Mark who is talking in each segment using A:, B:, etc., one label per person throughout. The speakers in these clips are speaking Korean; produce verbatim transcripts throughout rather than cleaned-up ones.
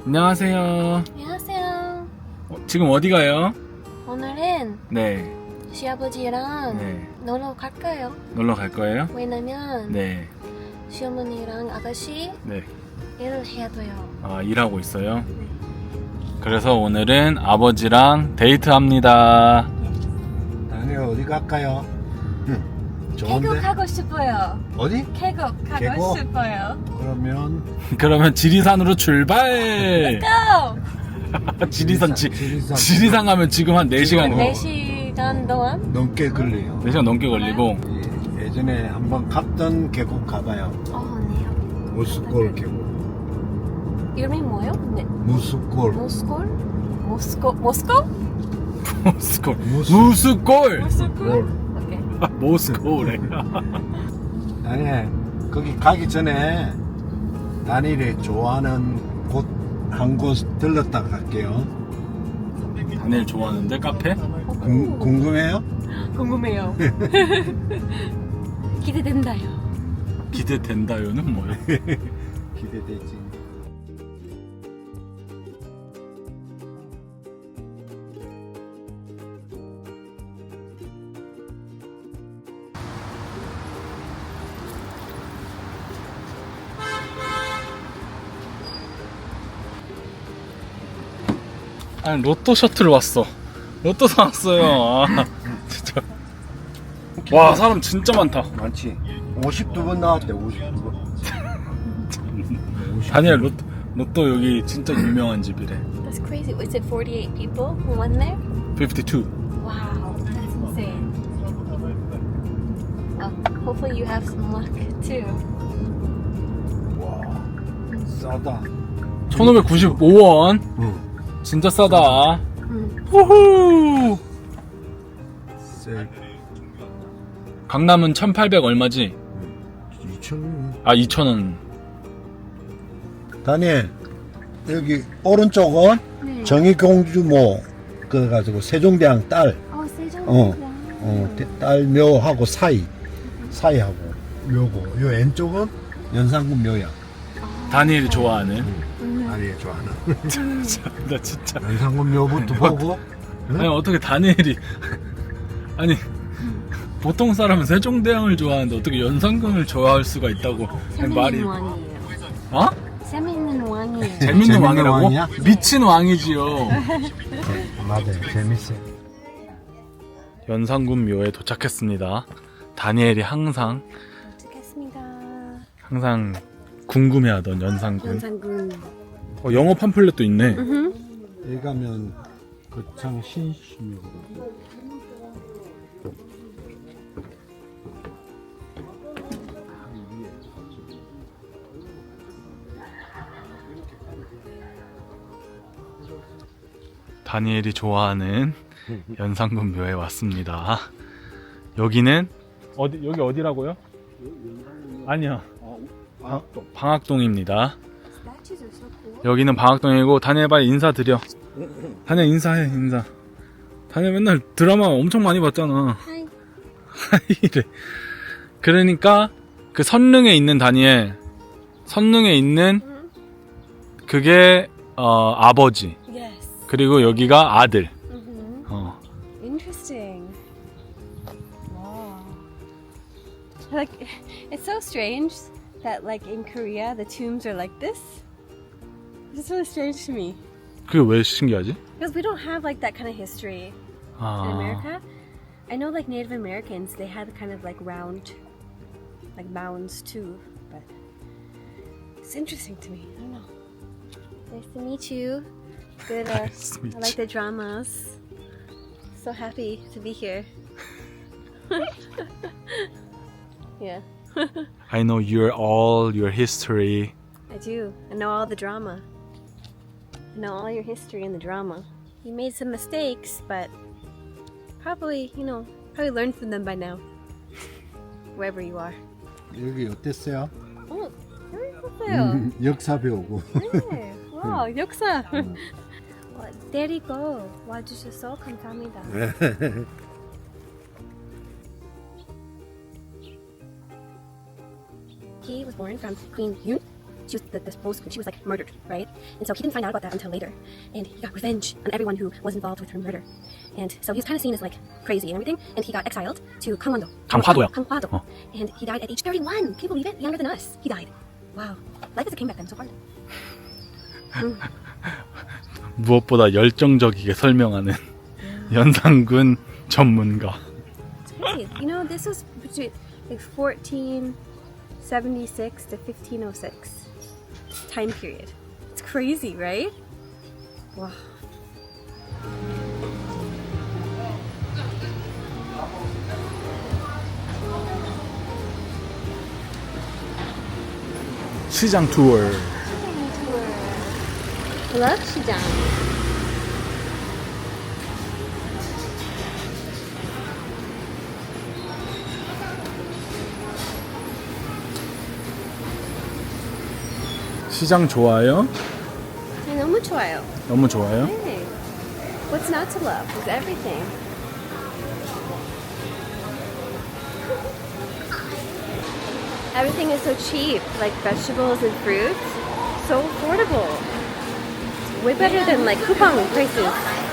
A: 안녕하세요.
B: 안녕하세요.
A: 어, 지금 어디 가요?
B: 오늘은
A: 네.
B: 시아버지랑
A: 네.
B: 놀러 갈까요?
A: 놀러 갈 거예요?
B: 왜냐면
A: 네.
B: 시어머니랑 아가씨
A: 네.
B: 일을 해야 돼요.
A: 아, 일하고 있어요?
B: 네.
A: 그래서 오늘은 아버지랑 데이트합니다.
C: 다니엘 어디 갈까요? 응. 좋은데?
B: 계곡 가고 싶어요.
C: 어디?
B: 계곡 가고
C: 계곡?
B: 싶어요.
C: 그러면
A: 그러면 지리산으로 출발!
B: Go!
A: 지리산, 지,
C: 지리산.
A: 지리산 가면 지금 한 네 시간,
C: 어.
B: 네 시간 동안?
C: 넘게 걸려요.
A: 네 시간 넘게 걸리고.
C: 예, 예전에 한번 갔던 계곡 가봐요.
B: 어, 네요.
C: 무스골 계곡.
B: 이름이 뭐예요? 네.
C: 무스골.
B: 모스콜? 모스코? 모스코?
A: 모스콜.
C: 무스-
A: 무스콜!
B: 모스콜? 오케이.
A: 모스콜에.
C: 다니엘 거기 가기 전에 다니엘이 좋아하는 곳 한 곳 들렀다 갈게요.
A: 다니엘 좋아하는데, 카페?
C: 궁, 궁금해요?
B: 궁금해요. 기대된다요.
A: 기대된다요는 뭐예요?
C: 기대되지.
A: 아니, 로또 셔틀 왔어. 로또 사왔어요. 아, 진짜. 와, 사람 진짜 많다.
C: 많지. 오십이 번 나왔대. 오십이 번.
A: 다니엘 로또, 로또 여기 진짜 유명한 집이래.
B: That's crazy. Was it forty-eight people who went there?
A: 오십이.
B: Wow, that's insane. Oh, hopefully you have some luck too.
C: 와, 싸다.
A: 천오백구십오 원.
C: 응.
A: 진짜 싸다.
B: 음.
A: 후후.
C: 세.
A: 강남은 천팔백 얼마지?
C: 이천 원.
A: 아, 이천 원.
C: 다니엘 여기 오른쪽은
B: 네.
C: 정의공주모 그래가지고 세종대왕 딸,
B: 어, 세종.
C: 어, 어, 대- 딸 묘하고 사이 사이하고 묘고 요 왼쪽은 연산군 묘야.
A: 다니엘이 좋아하는.
C: 아니 좋아하는
A: 나 진짜.
C: 연산군 묘부터 보고. 응?
A: 아니, 어떻게 다니엘이. 아니, 보통 사람은 세종대왕을 좋아하는데 어떻게 연산군을 좋아할 수가 있다고. 아니, 말이.
B: 재밌는 왕이에요.
A: 어?
B: 재밌는 왕이에요.
A: 재밌는
C: 재밌는
A: 왕이라고?
C: 왕이야?
A: 미친 왕이지요.
C: 맞아요, 재밌어.
A: 연산군 묘에 도착했습니다. 다니엘이 항상
B: 도착했습니다.
A: 항상 궁금해하던 연산군.
B: 연산군.
A: 어, 영어 팜플렛도 있네.
B: 음.
C: 여기 가면 거창 신심이거든.
A: 다니엘이 좋아하는 연산군 묘에 왔습니다. 여기는 어디 여기 어디라고요? 아니요. 방, 방학동입니다. 여기는 방학동이고 다니엘 빨리 인사드려. 다니엘 인사해 인사. 다니엘 맨날 드라마 엄청 많이 봤잖아.
B: 하이.
A: 하이래. 그러니까 그 선릉에 있는 다니엘, 선릉에 있는 그게 어, 아버지.
B: Yes.
A: 그리고 여기가 아들.
B: Mhm.
A: 어.
B: Interesting. Wow. Like, it's so strange that, like, in Korea, the tombs are like this. It's really strange to me
A: 그게 왜 신기하지?
B: because we don't have like that kind of history in
A: 아,
B: America. I know, like Native Americans, they had kind of like round, like mounds too. But it's interesting to me. I don't know. Nice to meet you. Good. Uh,
A: Nice to meet
B: I like
A: you.
B: the dramas. So happy to be here. Yeah,
A: I know your all your history.
B: I do. I know all the drama. I know all your history and the drama. You made some mistakes, but probably, you know, probably learned from them by now. Wherever you are.
C: 여기 어땠어요?
B: 어, 재밌었어요.
C: 음, 역사 배우고.
B: 네, 와, 역사. 와, 데리고 와주셔서 감사합니다. He was born from Queen Yun she was the, the spokesman. She was like murdered, right? And so he didn't find out about that until later, and he got revenge on everyone who was involved with her murder. And so he was kind of seen as like crazy and everything. And he got exiled to Gangwon-do.
A: 강화도요.
B: Gangwon-do.
A: 어.
B: And he died at age thirty-one. Can you believe it? Younger than us. He died. Wow. Life as a king back then, so hard.
A: 무엇보다 열정적이게 설명하는 연산군 전문가.
B: It's crazy. You know, this was between like fourteen seventy-six to fifteen oh six time period. It's crazy, right? Wow.
A: 시장 투어.
B: Love 시장.
A: 시장 좋아요?
B: 네, 너무 좋아요.
A: 너무 좋아요?
B: Hey, what's not to love? It's everything. Everything is so cheap, like vegetables and fruits. So affordable. It's way better than like coupon prices.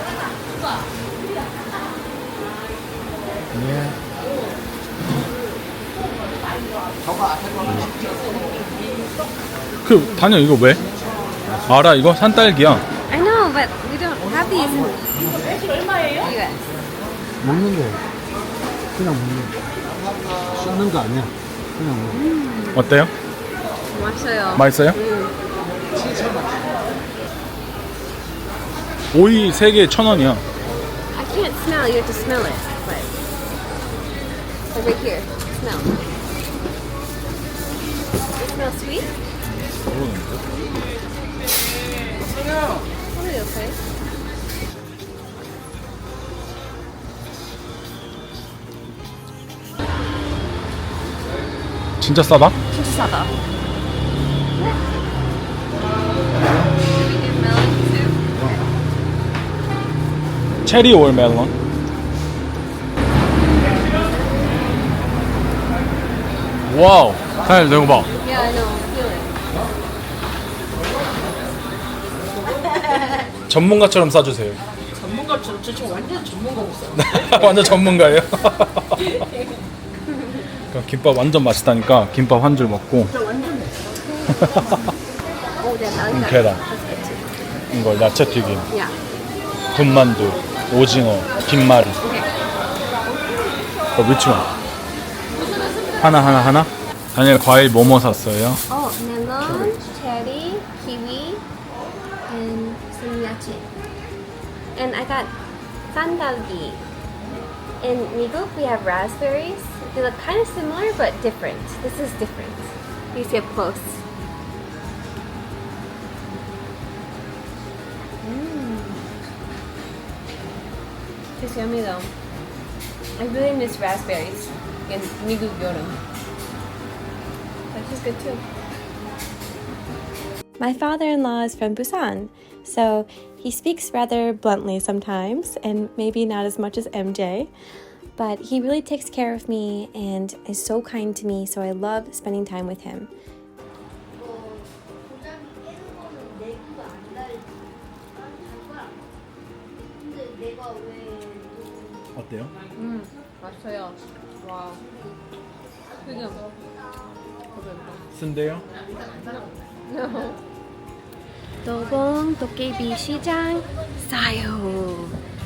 A: 그 다녀 이거 왜? 알아 이거 산딸기야.
B: I know, but we don't have these in U S.
C: 먹는 거 그냥 먹는 거 씻는 거 아니야 그냥 먹는 거
A: 어때요?
B: 맛있어요.
A: 맛있어요? 오이 세 개 천 원이야.
B: I can't smell. You have to smell it. But like right here, smell. It smells sweet. Totally okay.
A: 진짜 싸다?
B: 진짜 싸다. Should we do melon too?
A: 체리 올 멜론. 와우. 사장님 내거 봐.
B: Yeah, I know. Feel it.
A: 전문가처럼 싸주세요.
D: 전문가처럼 저 지금 완전 전문가고 있어요.
A: 완전 전문가예요. 그러니까 김밥 완전 맛있다니까 김밥 한 줄 먹고
B: Oh, then I like
A: 음,
B: that.
A: 계란.
B: That's good too.
A: 이거 야채 튀김,
B: Yeah.
A: 군만두, 오징어, 김말이.
B: Okay.
A: 어, 위치원. 하나 하나 하나. 다니엘 과일 뭐뭐 샀어요?
B: Oh, melon, cherry, kiwi, and some yache. And I got sandalgi. In Migook, we have raspberries. They look kind of similar, but different. This is different. You see up close. Mmm. It's yummy though. I really miss raspberries in Migook Yoram. That is good too. My father-in-law is from Busan, so he speaks rather bluntly sometimes, and maybe not as much as M J, but he really takes care of me and is so kind to me, so I love spending time with him.
A: 어때요?
D: 음, 맛있어요. 와. 지금.
A: 쓴데요?
B: 도봉 도깨비 시장 싸요.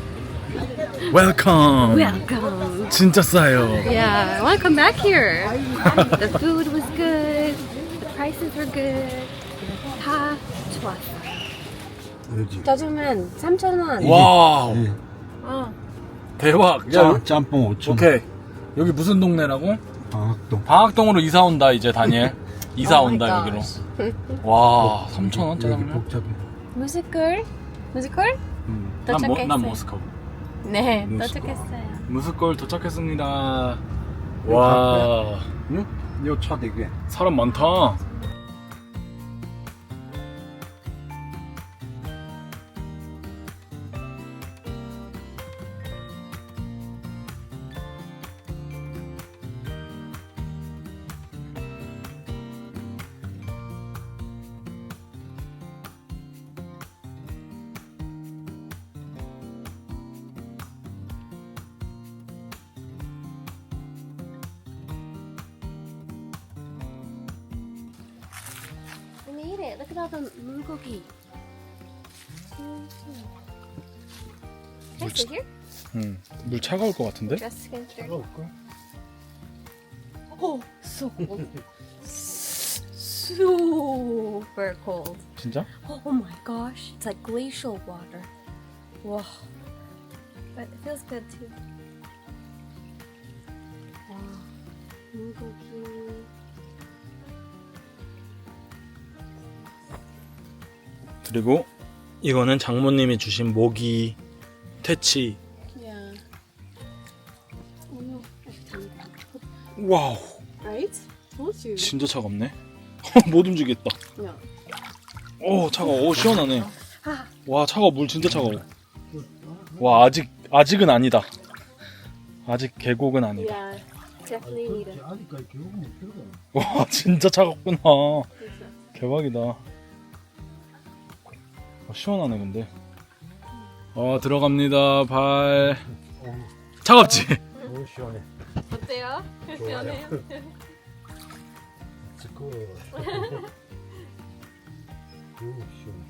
A: 웰컴.
B: Welcome.
A: 진짜 싸요.
B: Yeah, I want to come back here. The food was good. The prices were good. 다 좋았어.
C: 여기
B: 짜장면 삼천 원.
A: 와우.
C: 예.
B: 어.
A: 대박.
C: 짬, 짬뽕 오천 원
A: 오케이. 여기 무슨 동네라고?
C: 방학동
A: 방학동으로 이사 온다 이제 다니엘. 이사
D: Oh my
A: 온다 여기로.
D: gosh.
A: 와, 삼천 원
C: 여기
A: 짜장면.
C: 복잡해
B: 뮤지컬? 뮤지컬?
A: 음, 난, 모,
B: 도착했어요.
A: 난 모스코.
B: 네,
C: 뮤지컬.
B: 도착했어요.
A: 무스콜 도착했습니다. 와,
C: 응? 요차 되게
A: 사람 많다.
B: it. Look at all the mulgogi. Can I sit here?
A: 응. 물 차가울 것 같은데?
B: Just against her.
C: 차가울까?
B: Oh, so cold. Super cold.
A: 진짜?
B: Oh my gosh. It's like glacial water. Whoa. But it feels good too. Wow. Mulgogi.
A: 그리고 이거는 장모님이 주신 모기 퇴치.
B: Yeah. Oh no. I should turn it down.
A: 와우,
B: Right? Told you.
A: 진짜 차갑네. 못 움직이겠다.
B: Yeah.
A: 오, 차가워. 오, 시원하네.
B: Ah.
A: 와, 차가워. 물 진짜 차가워. 와, 아직 아직은 아니다. 아직 계곡은 아니다.
B: Yeah. Definitely need it.
C: 아직까지 교육은 못 들어가.
A: 와, 진짜 차갑구나. 대박이다. 어, 시원하네 근데. 어, 들어갑니다. 발. 차갑지?
C: 오, 시원해.
B: 어때요? 시원해요?
C: 지고. 오, 시원해.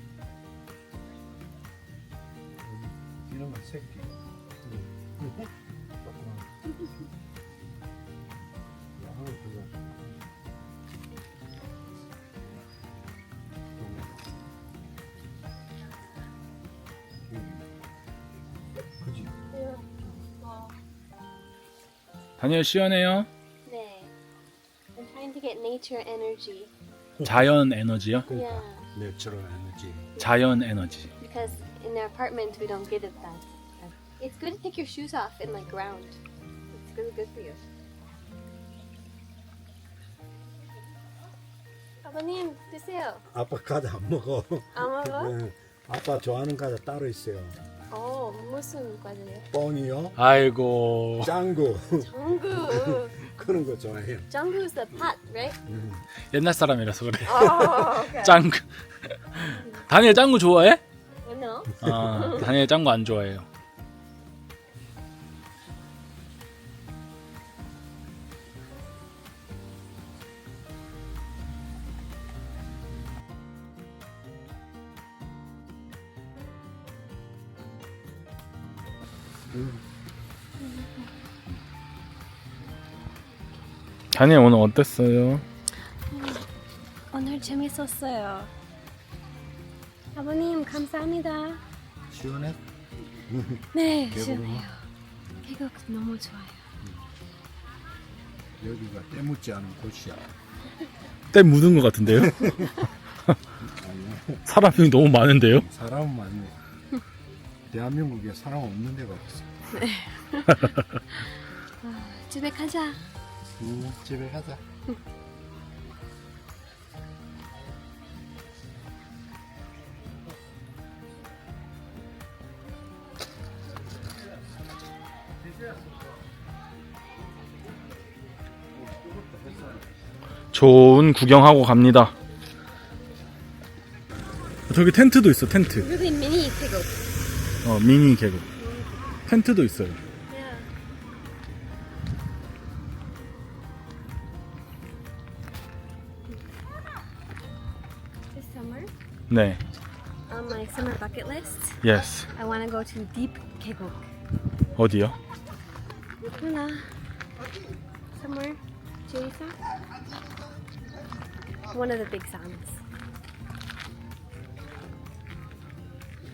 C: 이런 거 새끼. 그지?
A: 다니엘 시원해요?
B: 네. I'm trying to get nature energy.
A: 자연 에너지요?
B: Yeah.
C: 내추럴 에너지.
A: 자연 에너지.
B: Because in the apartment we don't get it that. It's good to take your shoes off in like ground. It's really good for you. 아버님 드세요.
C: 아빠 과자 안 먹어.
B: 안 먹어?
C: 네. 아빠 좋아하는 과자 따로 있어요.
B: 어 무슨 과자예요?
C: 뻥이요.
A: 아이고.
C: 짱구.
B: 짱구.
C: 그런 거 좋아해요.
B: 짱구 is the pot, right?
A: 옛날 사람이라서 그래.
B: Oh, okay.
A: 짱구. 다니엘 짱구 좋아해?
B: No.
A: 아, 다니엘 짱구 안 좋아해요. 다니엘 오늘 어땠어요?
B: 오늘 재밌었어요. 아버님 감사합니다.
C: 시원해?
B: 네,
C: 계곡은?
B: 시원해요. 계곡 너무 좋아요.
C: 여기가 때묻지 않은 곳이야.
A: 때 묻은 것 같은데요? 사람이 너무 많은데요?
C: 사람은 많네. 대한민국에 사람 없는 데가 없어.
B: 집에 가자.
C: 음, 집에 가자.
A: 좋은 구경하고 갑니다. 저기 텐트도 있어, 텐트.
B: Really mini 계곡.
A: 어, 미니 계곡. 텐트도 있어요.
B: Yeah. This summer,
A: 네.
B: on my summer bucket list,
A: Yes.
B: I want to go to Deep 계곡.
A: 어디요?
B: Luna. Somewhere. Jason. One of the big sands.